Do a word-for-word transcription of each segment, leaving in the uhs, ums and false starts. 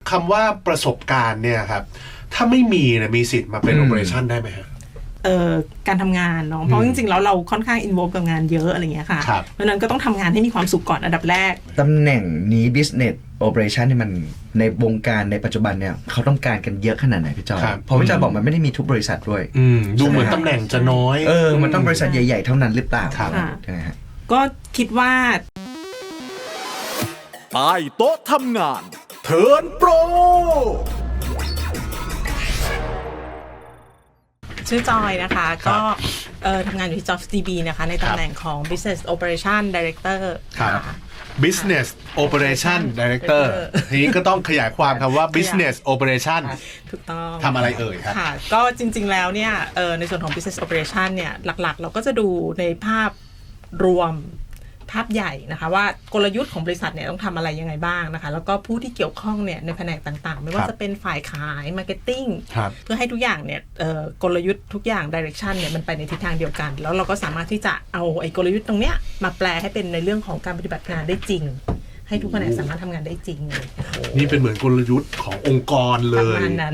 คำว่าประสบการณ์เนี่ยครับถ้าไม่มีเนี่ยมีสิทธิ์มาเป็น operation ได้ไหมฮะเอ่อการทำงานเนาะเพราะจริงๆแล้วเราค่อนข้างอินโวลกับงานเยอะอะไรเงี้ยค่ะเพราะนั้นก็ต้องทำงานให้มีความสุขก่อนอันดับแรกตำแหน่งนี้ business operation นี่มันในวงการในปัจจุบันเนี่ยเขาต้องการกันเยอะขนาดไหนพี่จอยเพราะพี่จอยบอกมันไม่ได้มีทุกบริษัทด้วยดูเหมือนตำแหน่งจะน้อยเออมันต้องบริษัทใหญ่ๆเท่านั้นหรือเปล่าใช่ไหมฮะก็คิดว่าใต้โต๊ะทำงานเทิร์นโปรชื่อจอยนะคะก็เอ่อทำงานอยู่ที่ JobsDB นะคะในตำแหน่งของ Business Operation Director ครับ Business Operation Director ทีนี้ก็ต้องขยายความคำว่า Business Operation ถูกต้องทำอะไรเอ่ยครับค่ะก็จริงๆแล้วเนี่ยเอ่อในส่วนของ Business Operation เนี่ยหลักๆเราก็จะดูในภาพรวมภาพใหญ่นะคะว่ากลยุทธ์ของบริษัทเนี่ยต้องทำอะไรยังไงบ้างนะคะแล้วก็ผู้ที่เกี่ยวข้องเนี่ยในแผนกต่างๆไม่ว่าจะเป็นฝ่ายขายมาร์เก็ตติ้งเพื่อให้ทุกอย่างเนี่ยกลยุทธ์ทุกอย่างดิเรกชันเนี่ยมันไปในทิศทางเดียวกันแล้วเราก็สามารถที่จะเอาไอ้กลยุทธ์ตรงเนี้ยมาแปลให้เป็นในเรื่องของการปฏิบัติงานได้จริงให้ทุกแผนกสามารถทำงานได้จริงเลยนี่เป็นเหมือนกลยุทธ์ขององค์กรเลยประมาณนั้น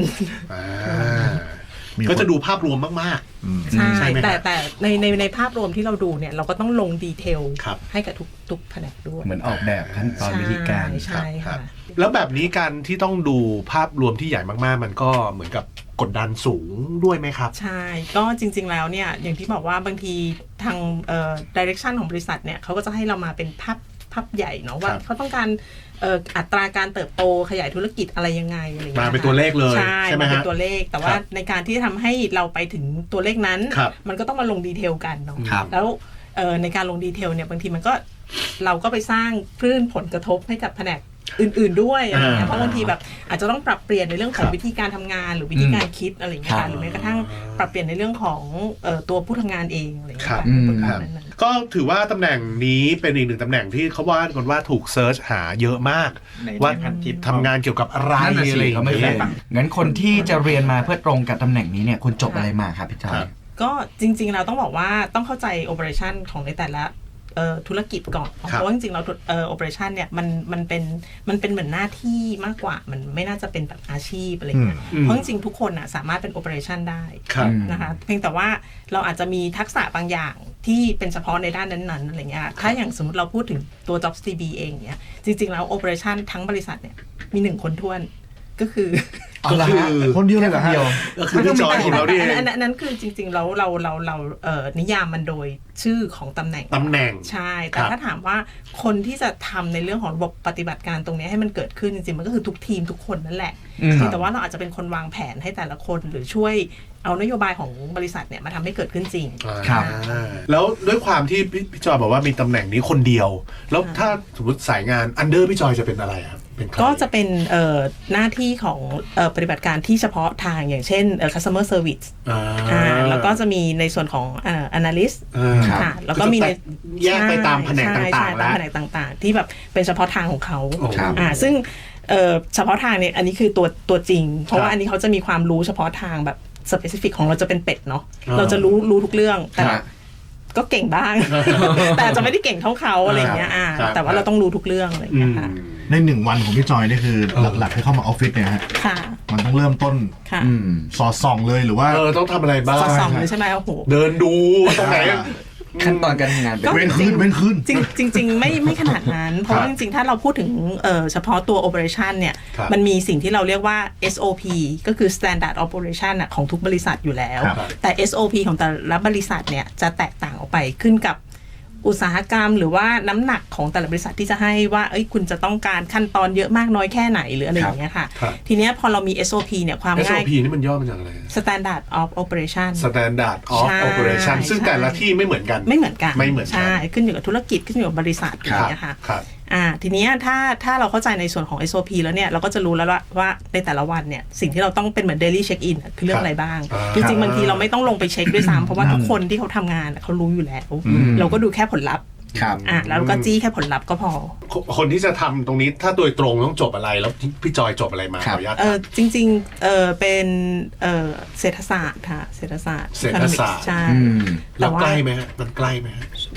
ก็จะดูภาพรวมมากๆใช่แต่แต่ในในในภาพรวมที่เราดูเนี่ยเราก็ต้องลงดีเทลให้กับทุกทุกแผนกด้วยเหมือนออกแบบขั้นตอนวิธีการใช่ค่ะแล้วแบบนี้การที่ต้องดูภาพรวมที่ใหญ่มากๆมันก็เหมือนกับกดดันสูงด้วยไหมครับใช่ก็จริงๆแล้วเนี่ยอย่างที่บอกว่าบางทีทางเอ่อดิเรกชันของบริษัทเนี่ยเขาก็จะให้เรามาเป็นภาพภาพใหญ่เนาะว่าเขาต้องการอัตราการเติบโตขยายธุรกิจอะไรยังไงอะไรอย่างเงี้ยมาเป็นตัวเลขเลยใช่ไหมฮะเป็นตัวเลขแต่ว่าในการที่จะทำให้เราไปถึงตัวเลขนั้นมันก็ต้องมาลงดีเทลกันเนาะแล้วในการลงดีเทลเนี่ยบางทีมันก็เราก็ไปสร้างคลื่นผลกระทบให้กับแผนกอื่นๆด้วยอะไรเงี้ยเพราะบางทีแบบอาจจะต้องปรับเปลี่ยนในเรื่องของวิธีการทำงานหรือวิธีการคิดอะไรเงี้ยหรือแม้กระทั่งปรับเปลี่ยนในเรื่องของตัวผู้ทำงานเองอะไรเงี้ยก็ถือว่าตำแหน่งนี้เป็นอีกหนึ่งตำแหน่งที่เขาว่ากันว่าถูกเซิร์ชหาเยอะมากว่าทำงานเกี่ยวกับอะไรอะไรอย่างเงี้ยงั้นคนที่จะเรียนมาเพื่อตรงกับตำแหน่งนี้เนี่ยคุณจบอะไรมาครับพี่จอยก็จริงๆเราต้องบอกว่าต้องเข้าใจโอเปอเรชั่นของในแต่ละธุรกิจก่อนเพราะว่าจริงๆเราเอ่อ operation เนี่ยมันมันเป็นมันเป็นเหมือนหน้าที่มากกว่ามันไม่น่าจะเป็นแบบอาชีพอะไรเงี้ยเพราะจริงๆทุกคนน่ะสามารถเป็น operation ได้นะคะเพียงแต่ว่าเราอาจจะมีทักษะบางอย่างที่เป็นเฉพาะในด้านนั้นๆอะไรเงี้ยถ้าอย่างสมมติเราพูดถึงตัว JobsDB เองเนี่ยจริงๆแล้ว operation ทั้งบริษัทเนี่ยมีหนึ่งคนท้วนก็คือก็คือคนเดียวเลยเหรอฮะก็คือพี่จอยของเราดิอันนั้นคือจริงๆแล้วเราเราเราเอ่อนิยามมันโดยชื่อของตำแหน่งตำแหน่งใช่แต่ถ้าถามว่าคนที่จะทำในเรื่องของระบบปฏิบัติการตรงนี้ให้มันเกิดขึ้นจริงๆมันก็คือทุกทีมทุกคนนั่นแหละแต่ว่าเราอาจจะเป็นคนวางแผนให้แต่ละคนหรือช่วยเอานโยบายของบริษัทเนี่ยมาทำให้เกิดขึ้นจริงครับแล้วด้วยความที่พี่จอยบอกว่ามีตำแหน่งนี้คนเดียวแล้วถ้าสมมติสายงานอันเดอร์พี่จอยจะเป็นอะไรครับก็จะเป็นหน้าที่ของปฏิบัติการที่เฉพาะทางอย่างเช่น customer service แล้วก็จะมีในส่วนของ analyst ค่ะแล้วก็มีในแยกไปตามแผนกต่างๆแล้วแผนกต่างๆที่แบบเป็นเฉพาะทางของเขาซึ่งเฉพาะทางเนี่ยอันนี้คือตัวตัวจริงเพราะว่าอันนี้เขาจะมีความรู้เฉพาะทางแบบ specific ของเราจะเป็นเป็ดเนาะเราจะรู้รู้ทุกเรื่องแต่ก็เก่งบ้างแต่จะไม่ได้เก่งเท่าเขาอะไรอย่างเงี้ยแต่ว่าเราต้องรู้ทุกเรื่องอะไรอย่างเงี้ยค่ะในหนึ่งวันของพี่จอยนี่คือหลักๆที่เข้ามาออฟฟิศเนี่ยฮะมันต้องเริ่มต้นสอดส่องเลยหรือว่าเออต้องทำอะไรบ้างสอดส่องเลยใช่ไหมโอ้โหเดินดูตรงไหนขั้นตอนการทำงานเว้นคืนเว้นคืนจริงจริงไม่ไม่ขนาดนั้นเพราะจริงๆถ้าเราพูดถึงเฉพาะตัว operation เนี่ยมันมีสิ่งที่เราเรียกว่า เอส โอ พี ก็คือ standard operation ของทุกบริษัทอยู่แล้วแต่ เอส โอ พี ของแต่ละบริษัทเนี่ยจะแตกต่างออกไปขึ้นกับอุตสาหกรรมหรือว่าน้ำหนักของแต่ละบริษัทที่จะให้ว่าเอ้ยคุณจะต้องการขั้นตอนเยอะมากน้อยแค่ไหนหรืออะไรอย่างเงี้ยค่ะทีเนี้ยพอเรามี เอส โอ พี เนี่ยความง่ายเอส โอ พี นี่มันย่อมาจากอะไร Standard of Operation Standard of Operation ซึ่งแต่ละที่ไม่เหมือนกันไม่เหมือนกันไม่เหมือนกันใช่ขึ้นอยู่กับธุรกิจขึ้นอยู่กับบริษัทอะไรอย่างเงี้ยค่ะอ่าทีนี้ถ้าถ้าเราเข้าใจในส่วนของ เอส โอ พี แล้วเนี่ยเราก็จะรู้แล้วว่าว่าในแต่ละวันเนี่ยสิ่งที่เราต้องเป็นเหมือน daily check in คือเรื่องอะไรบ้างจริงๆบางทีเราไม่ต้องลงไปเช็คด้วยซ้ำเพราะว่าทุกคนที่เขาทำงานเขารู้อยู่แล้วเราก็ดูแค่ผลลัพธ์ครับอ่ะแล้วก็จี้แค่ผลลัพธ์ก็พอคนที่จะทำตรงนี้ถ้าโดยตรงต้องจบอะไรแล้วพี่จอยจบอะไรมาขออนุญาตเออจริงๆเออเป็นเออเศรษฐศาสตร์ค่ะเศรษฐศาสตร์เศรษฐศาสตร์ใช่แล้วใกล้ไหมฮะมันใกล้ไหมฮะ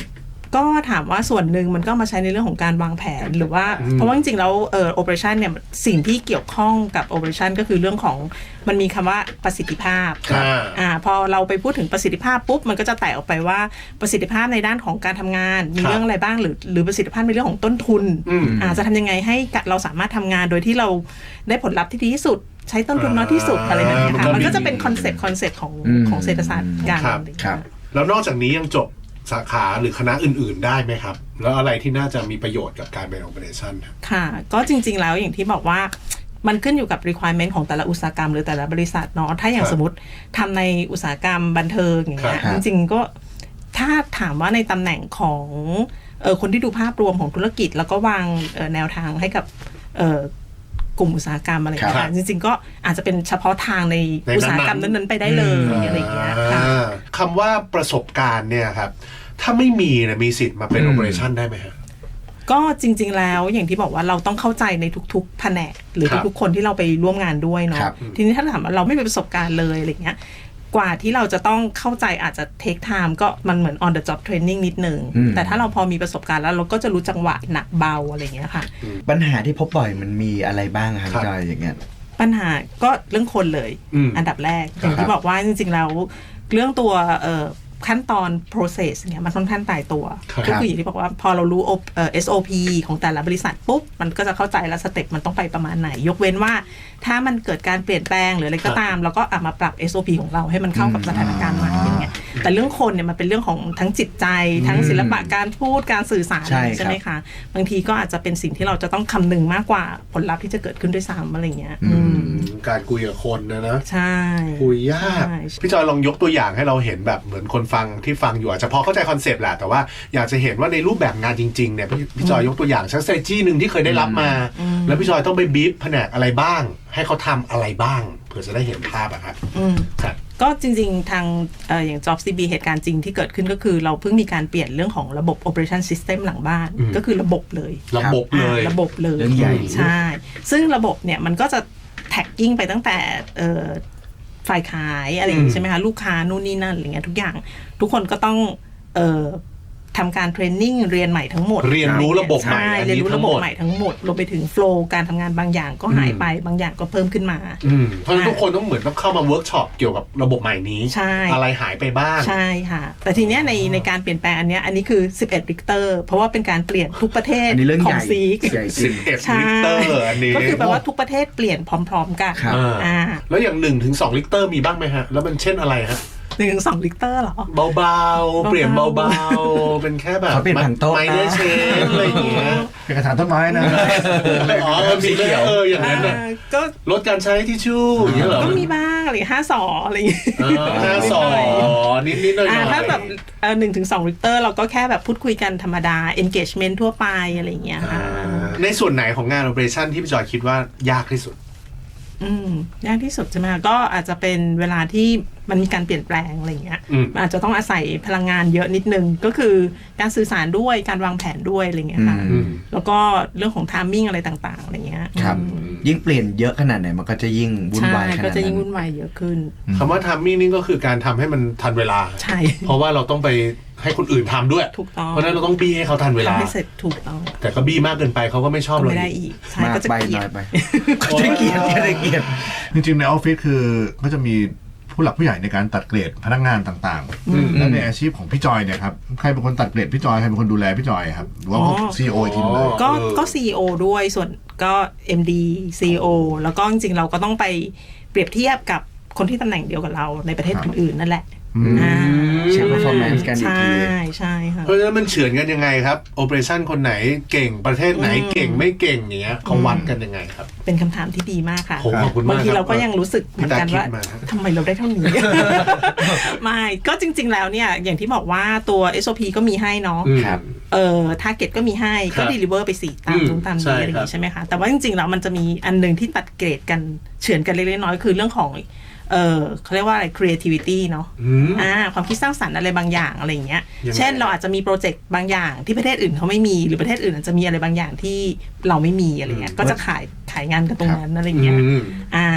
ก็ถามว่าส่วนหนึ่งมันก็มาใช้ในเรื่องของการวางแผนหรือว่าเพราะว่าจริงๆแล้วเอ่อ operation เนี่ยสิ่งที่เกี่ยวข้องกับ operation ก็คือเรื่องของมันมีคำว่าประสิทธิภาพอ่าพอเราไปพูดถึงประสิทธิภาพปุ๊บมันก็จะแตกออกไปว่าประสิทธิภาพในด้านของการทำงานมีเรื่องอะไรบ้างหรือหรือประสิทธิภาพในเรื่องของต้นทุนอ่าจะทำยังไงให้เราสามารถทำงานโดยที่เราได้ผลลัพธ์ที่ดีที่สุดใช้ต้นทุนน้อยที่สุดอะไรแบบนี้ค่ะมันก็จะเป็นคอนเซ็ปต์คอนเซ็ปต์ของของเศรษฐศาสตร์การครับแล้วนอกจากนี้ยังจบสาขาหรือคณะอื่นๆได้ไหมครับแล้วอะไรที่น่าจะมีประโยชน์กับการเป็น operation ครับค่ะก็จริงๆแล้วอย่างที่บอกว่ามันขึ้นอยู่กับ requirement ของแต่ละอุตสาหกรรมหรือแต่ละบริษัทเนาะถ้าอย่างสมมติทำในอุตสาหกรรมบันเทิงอย่างเงี้ยจริงๆก็ถ้าถามว่าในตำแหน่งของเออคนที่ดูภาพรวมของธุรกิจแล้วก็วางแนวทางให้กับเออกลุ่มอุตสาหกรรมอะไรอย่างเงี้ยจริงๆก็อาจจะเป็นเฉพาะทางในอุตสาหกรรมนั้นๆไปได้เลยอะไรอย่างเงี้ยค่ะคำว่าประสบการณ์เนี่ยครับถ้าไม่มีนะมีสิทธิ์มาเป็น operation ได้ไหมครับก็จริงๆแล้วอย่างที่บอกว่าเราต้องเข้าใจในทุกๆแผนกหรือทุกๆคนที่เราไปร่วมงานด้วยเนาะทีนี้ถ้าถามว่าเราไม่มีประสบการณ์เลยอะไรเงี้ยกว่าที่เราจะต้องเข้าใจอาจจะ take time ก็มันเหมือน on the job training นิดนึงแต่ถ้าเราพอมีประสบการณ์แล้วเราก็จะรู้จังหวะหนักเบาอะไรเงี้ยค่ะปัญหาที่พบบ่อยมันมีอะไรบ้างครับจอยอย่างเงี้ยปัญหาก็เรื่องคนเลยอันดับแรกอย่างที่บอกว่าจริงๆแล้วเรื่องตัวเอ่อขั้นตอน process เนี่ยมันค่อนข้างตายตัวก็คืออย่างที่บอกว่าพอเรารู้ เอส โอ พี ของแต่ละบริษัทปุ๊บมันก็จะเข้าใจแล้วสเต็ปมันต้องไปประมาณไหนยกเว้นว่าถ้ามันเกิดการเปลี่ยนแปลงหรืออะไรก็ตามเราก็เอามาปรับ เอส โอ พี ของเราให้มันเข้ากับสถานการณ์ใหม่อย่างเงี้ยแต่เรื่องคนเนี่ยมันเป็นเรื่องของทั้งจิตใจทั้งศิลปะการพูดการสื่อสารใช่ไหมคะบางทีก็อาจจะเป็นสิ่งที่เราจะต้องคำนึงมากกว่าผลลัพธ์ที่จะเกิดขึ้นด้วยซ้ำอะไรเงี้ยการคุยกับคนนะนะใช่คุยยากพี่จอยลองยกตัวอย่างให้เราเห็นแบบเหมือนคนฟังที่ฟังอยู่อาจจะพอเข้าใจคอนเซปต์แหละแต่ว่าอยากจะเห็นว่าในรูปแบบงานจริงๆเนี่ยพี่จอยยกตัวอย่างชักเซจี้หนึ่งที่เคยได้รับมาแล้วพี่จอยต้องไปบีฟแผนกอะไรบ้างให้เขาทำอะไรบ้างเพื่อจะได้เห็นภาพอะครับก็จริงๆทางเอ่ออย่าง Job ซี บี เหตุการณ์จริงที่เกิดขึ้นก็คือเราเพิ่งมีการเปลี่ยนเรื่องของระบบ operation system หลังบ้านก็คือระบบเลยระบบเลยระบบเลยใช่ซึ่งระบบเนี่ยมันก็จะแท็กกิ้งไปตั้งแต่เอ่อฝ่ายขายอะไรอย่างนี้ใช่ไหมคะลูกค้านู่นนี่นั่นอะไรเงี้ยทุกอย่างทุกคนก็ต้องเอ่อทำการเทรนนิ่งเรียนใหม่ทั้งหมดเรียนรู้ระบบใหม่เรียนรู้ระบบใหม่ทั้งหมดรวมไปถึงโฟล์การทำงานบางอย่างก็หายไปบางอย่างก็เพิ่มขึ้นมาเพราะฉะนั้นทุกคนต้องเหมือนต้องเข้ามาเวิร์กช็อปเกี่ยวกับระบบใหม่นี้อะไรหายไปบ้างใช่ค่ะแต่ทีเนี้ยในในการเปลี่ยนแปลงอันเนี้ยอันนี้คือสิบเอ็ดริกเตอร์เพราะว่าเป็นการเปลี่ยนทุกประเทศของซีกสิบเอ็ดริกเตอร์อันนี้ก็คือแปลว่าทุกประเทศเปลี่ยนพร้อมๆกันอ่าแล้วอย่างหนึ่งถึงสองริกเตอร์มีบ้างไหมฮะแล้วมันเช่นอะไรฮะหนึ่งถึงสองลิตรเหรอเบาๆเปลี่ยนเบาๆเป็นแค่แบบเขาเป็นผังโต๊ะไม้เนื้อเชนอะไรอย่างเงี้ยเป็นกระถางต้นไม้นะอ๋อสีเขียวเอออย่างนั้นน่ะก็ลดการใช้ทิชชู่อย่างเงี้ยเหรอก็มีบ้างอะไรห้าสออะไรอย่างเงี้ยห้าสอนิดๆหน่อยๆถ้าแบบหนึ่งถึงสองลิตรเราก็แค่แบบพูดคุยกันธรรมดา engagement ทั่วไปอะไรอย่างเงี้ยค่ะในส่วนไหนของงาน operation ที่พี่จอยคิดว่ายากที่สุดอืมยากที่สุดใช่ไหมก็อาจจะเป็นเวลาที่มันมีการเปลี่ยนแปลงอะไรอย่างเงี้ยอาจจะต้องอาศัยพลังงานเยอะนิดนึงก็คือการสื่อสารด้วยการวางแผนด้วยอะไรเงี้ยค่ะแล้วก็เรื่องของไทมิ่งอะไรต่างๆอะไรเงี้ยครับยิ่งเปลี่ยนเยอะขนาดไหนมันก็จะยิ่งวุ่นวายขนาดนั้นก็จะยิ่งวุ่นวายเยอะขึ้นคำว่าไทมิ่งนี่ก็คือการทำให้มันทันเวลาใช่เพราะว่าเราต้องไปให้คนอื่นทำด้วยถูกต้องเพราะนั้นเราต้องบี้ให้เขาทันเวลาให้เสร็จถูกต้องแต่ก็บี้มากเกินไปเขาก็ไม่ชอบเราไม่ได้อีกใช่ก็จะเกลียดไปก็จะเกลียดจะเกลียดจริงๆในออฟฟิศคือก็จะมีผู้หลักผู้ใหญ่ในการตัดเกรดพนักงานต่างๆแล้วในอาชีพของพี่จอยเนี่ยครับใครเป็นคนตัดเกรดพี่จอยใครเป็นคนดูแลพี่จอยครับหรือว่าซีอีโอทีมเลยก็ก็ซีอีโอด้วยส่วนก็ เอ็ม ดี ซี อี โอ แล้วก็จริงๆเราก็ต้องไปเปรียบเทียบกับคนที่ตำแหน่งเดียวกับเราในประเทศอื่นๆนั่นแหละใช่ performance กันอีกทีใช่ใช่ค่ะเพราะฉะนั้นมันเฉือนกันยังไงครับ operation คนไหนเก่งประเทศไหนเก่งไม่เก่งอย่างเงี้ยเขาวัดกันยังไงครับเป็นคำถามที่ดีมากค่ะขอบคุณมากบางทีเราก็ยังรู้สึกเหมือนกันว่าทำไมเราได้เท่านี้ไม่ก็จริงๆแล้วเนี่ยอย่างที่บอกว่าตัว เอส โอ พี ก็มีให้เนาะเอ่อ target ก็มีให้ก็ deliver ไปสี่ตามตรงตามนี้อะไรอย่างงี้ใช่ไหมคะแต่ว่าจริงๆแล้วมันจะมีอันนึงที่ตัดเกรดกันเฉือนกันเล็กๆน้อยๆคือเรื่องของเออเขาเรียกว่าอะไร creativity เนาะอ่าความคิดสร้างสรรค์อะไรบางอย่างอะไรอย่างเงี้ยเช่นเราอาจจะมีโปรเจกต์บางอย่างที่ประเทศอื่นเขาไม่มีหรือประเทศอื่นอาจจะมีอะไรบางอย่างที่เราไม่มีอะไรเงี้ยก็จะขายขายงานกันตรงนั้นอะไรเงี้ยอ่า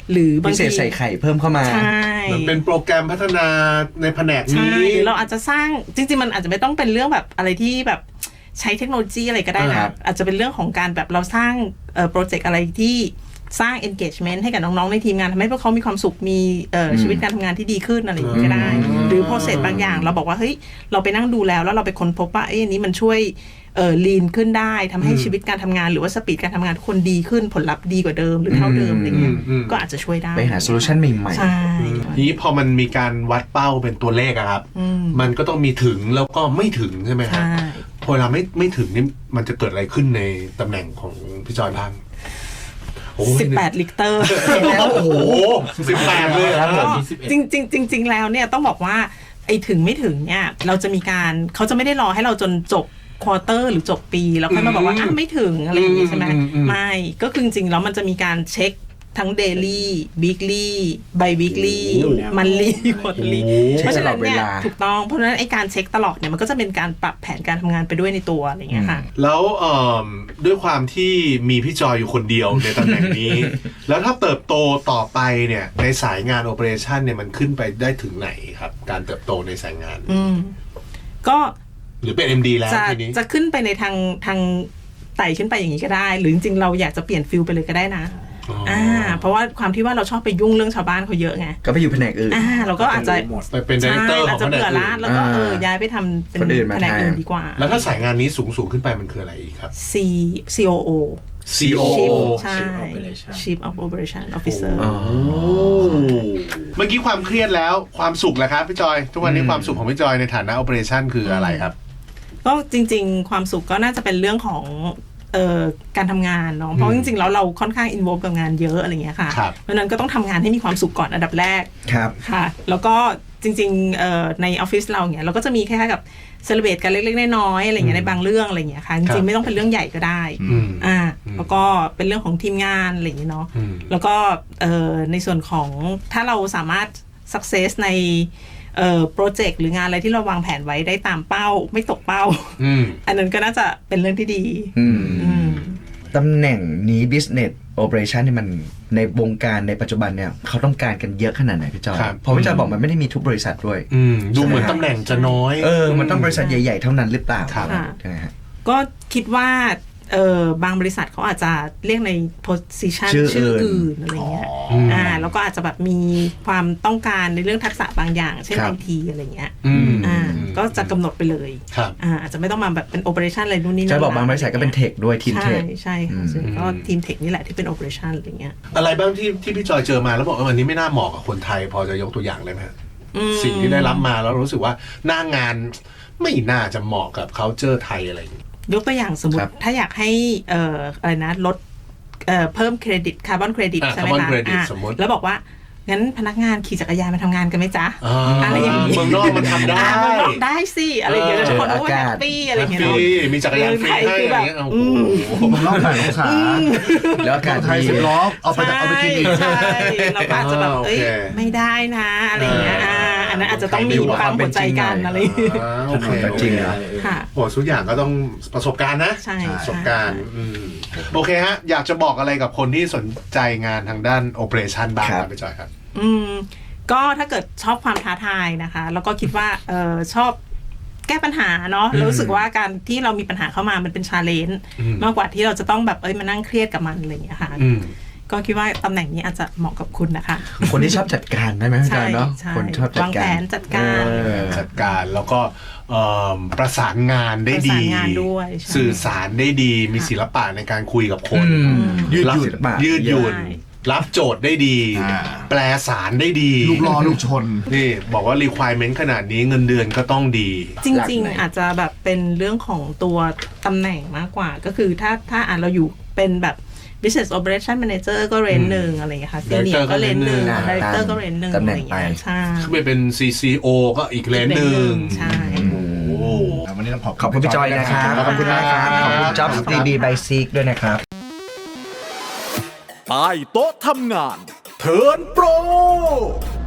หรือบางพิเศทีษใส่ไข่เพิ่มเข้ามาใช่มันเป็นโปรแกรมพัฒนาในแผนกใช่นี้หรือเราอาจจะสร้างจริงๆมันอาจจะไม่ต้องเป็นเรื่องแบบอะไรที่แบบใช้เทคโนโลยีอะไรก็ได้ครันะบอาจจะเป็นเรื่องของการแบบเราสร้างเอ่อโปรเจกต์อะไรที่สร้าง engagement ให้กับน้องๆในทีมงานทำให้พวกเขามีความสุขมีเอ่อชีวิตการทำงานที่ดีขึ้นอะไรอย่างนี้ก็ได้ หรือ process บางอย่างเราบอกว่าเฮ้ยเราไปนั่งดูแล้วแล้วเราไปค้นพบว่าเอ้ยอันนี้มันช่วยเอ่อ lean ขึ้นได้ทำให้ชีวิตการทำงานหรือว่าสปีดการทำงานทุกคนดีขึ้นผลลัพธ์ดีกว่าเดิมหรือเท่าเดิมอะไรเงี้ยอืมอืมก็อาจจะช่วยได้ไปหาโซลูชันใหม่ใช่ทีนี้พอมันมีการวัดเป้าเป็นตัวเลขอะครับ มันก็ต้องมีถึงแล้วก็ไม่ถึงใช่ไหมครับใช่พอเราไม่ไม่ถึงนี่มันจะเกิดอะไรขึ้นในตำแหน่งของพี่จอยบ้างโอ้ยสิบแปดลิตรแล้วโอ้โหสิบแปดเลยครับผมจริงจริงจริงจริง ๆ แล้วเนี่ยต้องบอกว่าไอ้ถึงไม่ถึงเนี่ยเราจะมีการเขาจะไม่ได้รอให้เราจนจบควอเตอร์หรือจบปีแล้วค่อยมาบอกว่าอ่ะไม่ถึงอะไรอย่างงี้ใช่ไหมไม่ก็คือจริงๆแล้วมันจะมีการเช็คทั้งเดลี่วีคลี่ไบวีคลี่มันลี่ควอเตอรี่เช็คเพราะฉะนั้นเนี่ยตลอดเวลาถูกต้องเพราะฉะนั้นไอ้การเช็คตลอดเนี่ยมันก็จะเป็นการปรับแผนการทำงานไปด้วยในตัวอะไรอย่างเงี้ยค่ะแล้วเอ่อด้วยความที่มีพี่จอยอยู่คนเดียวในตำแหน่งนี้ แล้วถ้าเติบโตต่อไปเนี่ยในสายงานโอเปอเรชันเนี่ยมันขึ้นไปได้ถึงไหนครับ การเติบโตในสายงานอืมก็หรือเป็น เอ็ม ดี แล้วจะทีนี้จะขึ้นไปในทางทางไต่ขึ้นไปอย่างนี้ก็ได้ หรือจริงๆเราอยากจะเปลี่ยนฟิลไปเลยก็ได้นะอ๋ออ่อ่าเพราะว่าความที่ว่าเราชอบไปยุ่งเรื่องชาวบ้านเขาเยอะไงก็ไปอยู่แผนกอื่นอ่าเราก็อาจจะไปเป็นดีเรคเตอร์ขอาอจงจะแผนกเบื่ออื่ละนแล้วก็เอออ่าย้ายไปทำเป็นคนอื่นมาแผนกอื่นแทนดีกว่าแล้วถ้าสายงานนี้สูงสูงขึ้นไปมันคืออะไรอีกครับ C ซี โอ โอซี โอ Chief โอใช่ Chief of Operation Officer อ๋อเมื่อกี้ความเครียดแล้วความสุขแหละครับพี่จอย ทุกวันนี้ความสุขของพี่จอยในฐานะโอเปอเรชันคืออะไรครับก็จริงๆ ความสุขก็น่าจะเป็นเรื่องของเอ่อการทำงานเนาะเพราะจริงๆแล้วเราค่อนข้างอินวอลกับงานเยอะอะไรเงี้ยค่ะครับเพราะฉะนั้นก็ต้องทำงานให้มีความสุขก่อนอันดับแรกครับค่ะ แล้วก็จริงๆเอ่อในออฟฟิศเราเนี่ยเราก็จะมีคล้ายๆกับเซเลบรตกันเล็กๆน้อยๆอะไรเงี้ยในบางเรื่องอะไรเงี้ยค่ะจครัริงบๆไม่ต้องเป็นเรื่องใหญ่ก็ได้อืมอ่าอืมแล้วก็เป็นเรื่องของทีมงานอะไรอย่างเงี้ยเนาะอืมแล้วก็เอ่อในส่วนของถ้าเราสามารถ success ในเอ่อโปรเจกต์หรืองานอะไรที่เราวางแผนไว้ได้ตามเป้าไม่ตกเป้าอืมอันนั้นก็น่าจะเป็นเรื่องที่ดีอืมอืมตำแหน่งนี้ business operation นี่มันในวงการในปัจจุบันเนี่ยเขาต้องการกันเยอะขนาดไหนพี่จอยครับเพราะพี่จอยบอกมันไม่ได้มีทุกบริษัทด้วยอืมดูเหมือนตำแหน่งจะน้อยเออ มันต้องบริษัทใหญ่ ๆ เท่านั้นหรือเปล่าครับใช่ไหมฮะก็คิดว่าเออบางบริษัทเขาอาจจะเรียกใน position ชื่อชื่ออื่นอื่นอะไรเงี้ยอืมอ่าแล้วก็อาจจะแบบมีความต้องการในเรื่องทักษะบางอย่าง เช่นครัไอบ ทีอะไรเงี้ยอืมอ่าก็จะกำหนดไปเลยครับอ่าอาจจะไม่ต้องมาแบบเป็น operation อะไรนู่นนี่นั่จะนบอกบางบริษัทก็เป็นเทคด้วยทีมใช่เทคใช่ค่ะซึ่งก็ทีมเทคนี่แหละที่เป็น operation อะไรเงี้ยอะไรบ้างที่ที่พี่จอยเจอมาแล้วบอกว่าอันนี้ไม่น่าเหมาะกับคนไทย พอจะยกตัวอย่างเลยไหมฮะอืมสิ่งที่ได้รับมาแล้วรู้สึกว่าหน้างานไม่น่าจะเหมาะกับ culture ไทยอะไรอย่างนี้ยกตัวอย่างสมมครัติบถ้าอยากให้เอ่ออะไรนะลดเอ่อเพิ่มเครดิตคาร์บอนเครดิตอ่ะใช่ไหม carbon คะ credit อ่ะสมมุติแล้วบอกว่า งั้นพนักงานขี่จักรยานมาทำงานกันไหมจ๊ะอ่าอะไรอย่างนี้เมืองนอกมันทำได้อ่าเมืองนอกได้สิอะไรอย่างเงี้ยเออทุกคนรู้ว่าเจอแฮอากาศปปี้อะไรอย่างเงี้ยฟเนาะรีมีจักรยานฟรีให้อะไรอย่างเงี้ยเมืองไทยโอ้คือโหแบบผมรอบถ่ายองศาแล้วอากาศไทยดีสิบล้อเอาไปเอาไปกินอีกใช่เราก็อาจจะแบบอ่าเอ้ยโอเคไม่ได้นะอะไรอย่างเงี้ยอ่าอันนั้นอาจจะต้องมีความหัวใจกันอะไรอย่างเงี้ยอ่าโอเคก็จริงเหรอค่ะโอ้ทุกอย่างก็ต้องประสบการณ์นะใช่ประสบการณ์อืมโอเคฮะ อยากจะบอกอะไรกับคนที่สนใจงานทางด้านโอเปอเรชันบ้างคครัรับบ พี่จอยครับอืมก็ถ้าเกิดชอบความท้าทายนะคะ แล้วก็คิดว่าเออชอบแก้ปัญหาเนาะอืมรู้สึกว่าการที่เรามีปัญหาเข้ามามันเป็นชาเลนจ์อืมมากกว่าที่เราจะต้องแบบเอ้ยมานั่งเครียดกับมันอะไรอย่างเงี้ยค่ะอืมก็คิดว่าตำแหน่งนี้อาจจะเหมาะกับคุณนะคะคนที่ชอบจัดการได้ไหมพี่จอยเนาะใช่คนชอบจัดวางกาแผรนจัดการเออจัดการแล้วก็เอิ่มประสานงานได้ดีประสานงานด้วยใช่สื่อสารได้ดี มีศิลปะในการคุยกับคนอืมยืดหยุ่นศิลปะยืดหยุ่นใช่รับโจทย์ได้ดีอ่าแปลสารได้ดีลูกล้อลูกชนนี่บอกว่า requirement ขนาดนี้เงินเดือนก็ต้องดีจหลักริงไหนๆ อาจจะแบบเป็นเรื่องของตัวตำแหน่งมากกว่า ก็คือถ้าถ้าอ่านเราอยู่เป็นแบบ business operation manager ก็เรนหนึ่งอะไรอย่างเงี้ยค่ะ senior Director ก็เรนหนึ่งก็ range หนึ่ง director ก็เรนหนึ่งตำอะแหไรน่งอย่างเงี้ยไปใช่ขึ้นไปเป็น ซี ซี โอ ก็อีกเลนหนึ่งใช่โอ้โหวันนี้ต้องขอบขอบคุณพี่จอยนะครับ ขอบคุณนะครับ ขอบคุณ Jobs ดี บี by Seek ด้วยนะครับใต้โต๊ะทำงาน เทิร์นโปร